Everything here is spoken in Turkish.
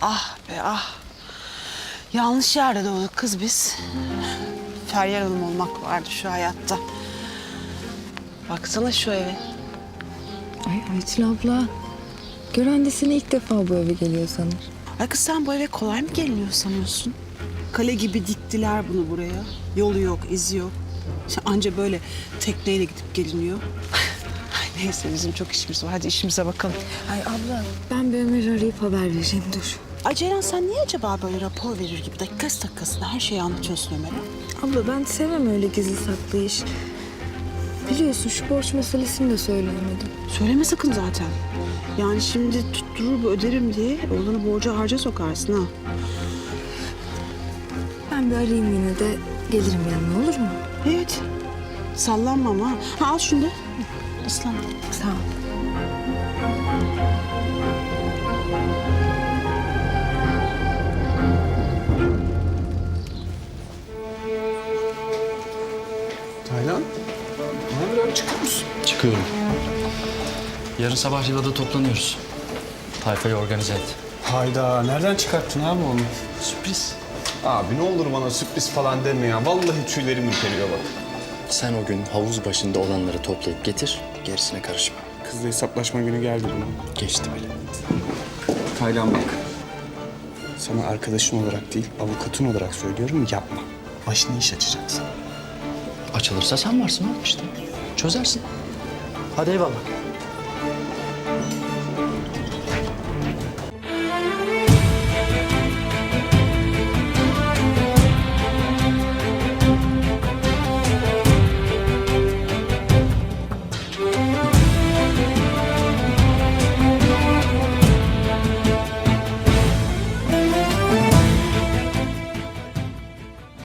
Ah be ah. Yanlış yerde doğduk kız biz. Feryal Hanım olmak vardı şu hayatta. Baksana şu eve. Ay Ayçil abla. Gören de seni ilk defa bu eve geliyor sanır. Ay kız sen bu eve kolay mı geliniyor sanıyorsun? Kale gibi diktiler bunu buraya. Yolu yok, izi yok. İşte anca böyle tekneyle gidip geliniyor. Ay neyse bizim çok işimiz var. Hadi işimize bakalım. Ay abla ben bir Ömer'i arayıp haber vereceğim dur. Ay Ceylan sen niye acaba böyle rapor verir gibi dakikasında her şeyi anlatıyorsun Ömer'e? Abla ben sevmem öyle gizli saklı iş. Biliyorsun şu borç meselesini de söyleyemedim. Söyleme sakın zaten. Yani şimdi tutturur bu öderim diye oğlanı borca harca sokarsın ha. Ben bir arayayım yine de gelirim yanına olur mu? Evet. Sallanma ama. Ha al şunu da. Aslan. Sağ ol. Taylan, ne haber abi, çıkıyor musun? Çıkıyorum. Yarın sabah Riva'da toplanıyoruz. Tayfayı organize et. Hayda, nereden çıkarttın abi onu? Sürpriz. Abi ne olur bana sürpriz falan deme ya. Vallahi tüylerim ürperiyor bak. Sen o gün havuz başında olanları toplayıp getir, gerisine karışma. Kızla hesaplaşma günü geldi bunun. Geçti bile. Taylan bak. Sana arkadaşın olarak değil, avukatın olarak söylüyorum, yapma. Başına iş açacaksın. Açılırsa sen varsın oğlum işte. Çözersin. Hadi eyvallah.